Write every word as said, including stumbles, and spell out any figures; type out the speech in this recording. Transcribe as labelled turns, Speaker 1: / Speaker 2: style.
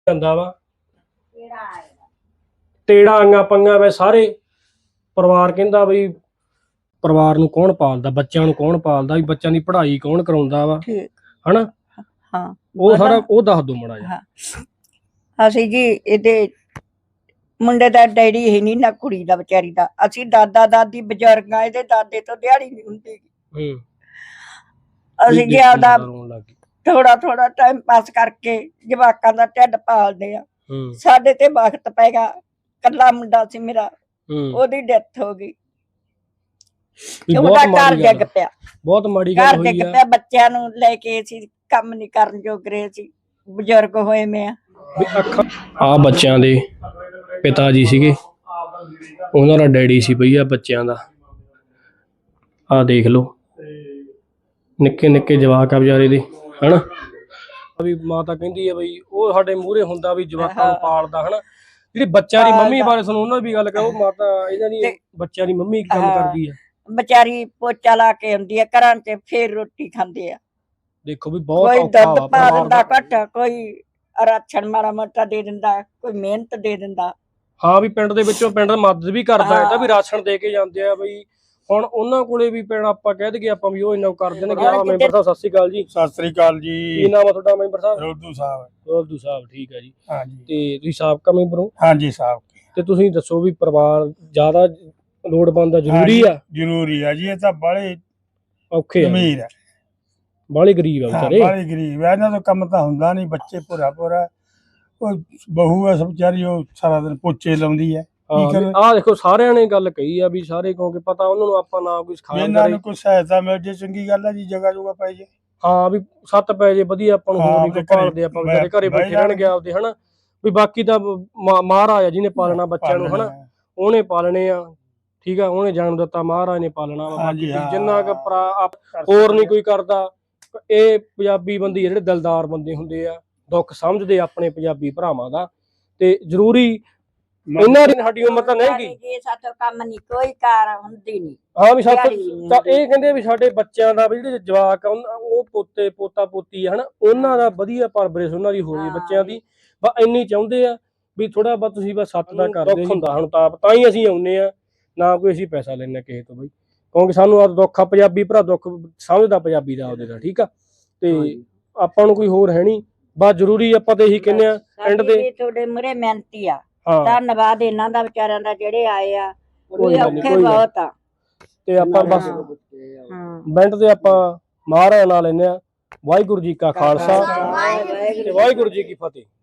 Speaker 1: ਜਾਂਦਾ ਵਾ ਤੇੜਾ ਆਈਆਂ ਪੰਗਾ ਵੇ ਸਾਰੇ ਪਰਿਵਾਰ ਕਹਿੰਦਾ ਬਈ ਪਰਿਵਾਰ ਨੂੰ ਕੌਣ ਪਾਲਦਾ, ਬੱਚਿਆਂ ਨੂੰ ਕੌਣ ਪਾਲਦਾ, ਵੀ ਬੱਚਿਆਂ ਦੀ ਪੜ੍ਹਾਈ ਕੌਣ ਕਰਾਉਂਦਾ ਵਾ, ਹਨਾ?
Speaker 2: ਹਾਂ
Speaker 1: ਉਹ ਸਾਰਾ ਉਹ ਦੱਸ ਦੋ ਮਾੜਾ ਜਿਹਾ।
Speaker 2: ਅਸੀਂ ਜੀ ਇਹਦੇ ਮੁੰਡੇ ਦਾ ਡੈਡੀ ਹੀ ਨਹੀਂ ਨਾ ਕੁੜੀ ਦਾ ਵਿਚਾਰੀ ਦਾ, ਅਸੀਂ ਦਾਦਾ ਦਾਦੀ ਬਜ਼ੁਰਗਾਂ ਇਹਦੇ ਦਾਦੇ ਤੋਂ ਦਿਹਾੜੀ ਨਹੀਂ ਹੁੰਦੀ।
Speaker 1: ਹੂੰ
Speaker 2: ਅਸੀਂ ਜੀ ਆਪਦਾ ਥੋੜਾ ਥੋੜਾ ਟਾਈਮ ਪਾਸ ਕਰਕੇ ਜਵਾਕਾਂ ਦਾ ਢਿੱਡ ਪਾਲਦੇ ਆ। ਸਾਡੇ ਤੇ ਵਕਤ ਪੈ ਗਿਆ, ਕੱਲਾ ਮੁੰਡਾ ਸੀ ਮੇਰਾ, ਉਹਦੀ ਡੈਥ ਹੋ ਗਈ। ਉਹਦਾ ਘਰ ਡਿੱਗ ਪਿਆ,
Speaker 1: ਬਹੁਤ ਮਾੜੀ ਗੱਲ
Speaker 2: ਘਰ ਡਿੱਗ ਪਿਆ। ਬੱਚਿਆਂ ਨੂੰ ਲੈ ਕੇ ਅਸੀਂ ਕੰਮ ਨਹੀਂ ਕਰਨ ਜੋਗ ਰਹੇ ਸੀ, ਬਜ਼ੁਰਗ ਹੋਏ ਮੈਂ ਆ। ਆ
Speaker 1: ਬੱਚਿਆਂ ਦੇ ਪਿਤਾ ਜੀ ਸੀਗੇ, ਉਹਨਾਂ ਦਾ ਡੈਡੀ ਸੀ ਬਈ ਆ ਬੱਚਿਆਂ ਦਾ। ਆ ਦੇਖ ਲਓ ਨਿੱਕੇ ਨਿੱਕੇ ਜਵਾਕ ਆ ਵਿਚਾਰੇ ਦੇ, ਹਨਾ? ਵੀ ਮਾਤਾ ਕਹਿੰਦੀ ਆ ਬਈ ਉਹ ਸਾਡੇ ਮੂਹਰੇ ਹੁੰਦਾ ਵੀ ਜਵਾਕਾਂ ਨੂੰ ਪਾਲਦਾ, ਹਨਾ? ਜਿਹੜੀ ਬੱਚਿਆਂ ਦੀ ਮੰਮੀ ਬਾਰੇ ਸਾਨੂੰ ਉਹਨਾਂ ਦੀ ਗੱਲ ਕਰੋ। ਮਾਤਾ ਇਹਨਾਂ ਦੀ ਬੱਚਿਆਂ ਦੀ ਮੰਮੀ ਕੀ ਕੰਮ ਕਰਦੀ ਆ?
Speaker 2: ਵਿਚਾਰੀ ਪੋਚਾ ਲਾ ਕੇ ਆਉਂਦੀ ਆ ਘਰਾਂ ਚ, ਫੇਰ ਰੋਟੀ ਖਾਂਦੇ ਆ।
Speaker 1: ਦੇਖੋ ਵੀ ਬਹੁਤ
Speaker 2: ਕੋਈ ਦੁੱਧ ਪਾ ਦਿੰਦਾ ਘੱਟ, ਕੋਈ ਰਾਸ਼ਨ ਮਾੜਾ ਮੋਟਾ ਦੇ ਦਿੰਦਾ, ਕੋਈ ਮਿਹਨਤ ਦੇ ਦਿੰਦਾ। ਹਾਂ ਵੀ ਪਿੰਡ ਦੇ ਵਿੱਚੋਂ ਪਿੰਡ ਮਦਦ ਵੀ ਕਰਦਾ, ਇਹਦਾ ਵੀ ਰਾਸ਼ਨ ਦੇ ਕੇ ਜਾਂਦੇ ਆ ਬਈ। ਹੁਣ ਉਹਨਾਂ ਕੋਲੇ ਵੀ ਪਿੰਡ ਆਪਾਂ ਕਹਿ ਦਈਏ ਆਪਾਂ ਵੀ ਉਹ ਇੰਨਾ ਕਰ ਦੇਣਗੇ। ਆ ਮੈਂਬਰ ਸਾਹਿਬ ਸਤਿ ਸ੍ਰੀ ਅਕਾਲ ਜੀ।
Speaker 3: ਸਤਿ ਸ੍ਰੀ ਅਕਾਲ ਜੀ।
Speaker 1: ਕੀ ਨਾਮ ਆ ਤੁਹਾਡਾ ਮੈਂਬਰ ਸਾਹਿਬ?
Speaker 3: ਰੋਧੂ ਸਾਹਿਬ।
Speaker 1: ਰੋਧੂ ਸਾਹਿਬ, ਠੀਕ ਹੈ ਜੀ।
Speaker 3: ਹਾਂਜੀ।
Speaker 1: ਤੇ ਤੁਸੀਂ ਸਾਬਕਾ ਮੈਂਬਰ ਹੋ?
Speaker 3: ਹਾਂਜੀ ਸਾਹਿਬ। ਤੇ
Speaker 1: ਤੁਸੀਂ ਦੱਸੋ ਵੀ ਪਰਿਵਾਰ ਜ਼ਿਆਦਾ ਲੋੜਵੰਦ ਆ, ਜ਼ਰੂਰੀ ਆ?
Speaker 3: ਜ਼ਰੂਰੀ ਆ ਜੀ, ਇਹ ਤਾਂ ਬਾਲੇ
Speaker 1: ਔਖੇ
Speaker 3: ਅਮੀਰ ਆ,
Speaker 1: ਬਾਲੇ ਗਰੀਬ ਆ ਵਿਚਾਰੇ।
Speaker 3: ਬਾਲੇ ਗਰੀਬ ਆ, ਇਹਨਾਂ ਤੋਂ ਕੰਮ ਤਾਂ ਹੁੰਦਾ ਨਹੀਂ। ਬੱਚੇ ਭੋਰਾ ਭੋਰਾ, ਉਹ ਬਹੂ ਆ ਵਿਚਾਰੀ, ਉਹ ਸਾਰਾ ਦਿਨ ਪੋਚੇ ਲਾਉਂਦੀ ਆ। ਆਹ ਦੇਖੋ ਸਾਰਿਆਂ ਨੇ ਗੱਲ ਕਹੀ ਆ ਵੀ ਸਾਰੇ, ਕਿਉਂਕਿ ਪਤਾ ਉਹਨਾਂ ਨੂੰ ਆਪਾਂ ਨਾ ਕੋਈ ਸਿਖਾਇਆ, ਇਹਨਾਂ ਨੂੰ ਕੋਈ ਸਹਾਇਤਾ ਮਿਲ ਜੇ ਚੰਗੀ ਗੱਲ ਆ ਜੀ, ਜਗ੍ਹਾ ਜੁਗਾ ਪੈ ਜੇ। ਹਾਂ ਵੀ ਸੱਤ ਪੈ ਜੇ ਵਧੀਆ, ਆਪਾਂ ਨੂੰ ਹੋਰ ਨਹੀਂ ਕੋਈ ਭਾਲਦੇ, ਆਪਾਂ ਵਿਚਾਰੇ ਘਰੇ ਬੈਠੇ ਰਹਿਣਗੇ ਆਪਦੇ, ਹਨਾ? ਵੀ ਬਾਕੀ ਤਾਂ ਮਹਾਰਾਜ ਆ ਜਿਹਨੇ ਪਾਲਣਾ ਬੱਚਿਆਂ ਨੂੰ, ਹਨਾ? ਉਹਨੇ ਪਾਲਣੇ ਆ, ਠੀਕ ਆ? ਉਹਨੇ ਜਨਮ ਦਿੱਤਾ, ਮਹਾਰਾਜ ਨੇ ਪਾਲਣਾ ਵਾ। ਬਾਕੀ ਜਿੰਨਾ ਕੁ ਹੋਰ ਨਹੀਂ ਕੋਈ ਕਰਦਾ। ਇਹ ਪੰਜਾਬੀ ਬੰਦੇ ਜਿਹੜੇ ਦਿਲਦਾਰ ਬੰਦੇ ਹੁੰਦੇ ਆ, ਦੁੱਖ ਸਮਝਦੇ ਆਪਣੇ ਪੰਜਾਬੀ ਭਰਾਵਾਂ ਦਾ। ਤੇ ਜ਼ਰੂਰੀ ਇਹਨਾਂ ਦੀ ਸਾਡੀ ਉਮਰ ਤਾਂ ਨਹੀਂ ਗਈ,
Speaker 2: ਸਾਥੋਂ ਕੰਮ ਨਹੀਂ ਕੋਈ ਕਾਰ ਹੁੰਦੀ ਨਹੀਂ।
Speaker 1: ਹਾਂ ਵੀ ਸਾਥੋਂ ਤਾਂ ਇਹ ਕਹਿੰਦੇ ਵੀ ਸਾਡੇ ਬੱਚਿਆਂ ਦਾ ਵੀ ਜਿਹੜੇ ਜਵਾਕ ਆ, ਉਹ ਪੋਤੇ ਪੋਤਾ ਪੋਤੀ ਆ, ਹਨਾ? ਉਹਨਾਂ ਦਾ ਵਧੀਆ ਪਰਵਰਿਸ਼ ਉਹਨਾਂ ਦੀ ਹੋਣੀ ਬੱਚਿਆਂ ਦੀ। ਬਸ ਇੰਨੀ ਚਾਹੁੰਦੇ ਆ ਵੀ ਥੋੜਾ ਬਹੁਤ ਤੁਸੀਂ ਬਸ ਸੱਤ ਦਾ ਕਰਦੇ ਹੁੰਦਾ। ਹੁਣ ਤਾਂ ਤਾਂ ਹੀ ਅਸੀਂ ਆਉਂਦੇ ਆ, ਨਾ ਕੋਈ ਅਸੀਂ ਪੈਸਾ ਲੈਣਾ ਕਿਸੇ ਤੋਂ ਬਈ, ਕਿਉਂਕਿ ਸਾਨੂੰ ਆ ਦੁੱਖ ਆ, ਪੰਜਾਬੀ ਭਰਾ ਦੁੱਖ ਸਮਝਦਾ ਪੰਜਾਬੀ ਦਾ ਆਪਦੇ ਦਾ, ਠੀਕ ਆ? ਤੇ ਆਪਾਂ ਨੂੰ ਕੋਈ ਹੋਰ ਹੈ ਨਹੀਂ, ਬਸ ਜ਼ਰੂਰੀ ਆਪਾਂ ਤੇ ਇਹੀ ਕਹਿੰਦੇ ਆ ਪਿੰਡ ਦੇ
Speaker 2: ਤੁਹਾਡੇ ਮੂਹਰੇ ਮਿਹਨਤੀ ਆ। ਧੰਨਵਾਦ ਇਹਨਾਂ ਦਾ ਵਿਚਾਰਿਆਂ ਦਾ ਜਿਹੜੇ ਆਏ ਆ, ਔਖੇ ਬਹੁਤ ਆ।
Speaker 1: ਤੇ ਆਪਾਂ ਬਸ ਪਿੰਡ ਦੇ ਆਪਾਂ ਮਹਾਰਾਜ ਨਾਲ ਲੈਂਦੇ ਆ। ਵਾਹਿਗੁਰੂ ਜੀ ਕਾ ਖਾਲਸਾ ਤੇ ਵਾਹਿਗੁਰੂ ਜੀ ਕੀ ਫਤਿਹ।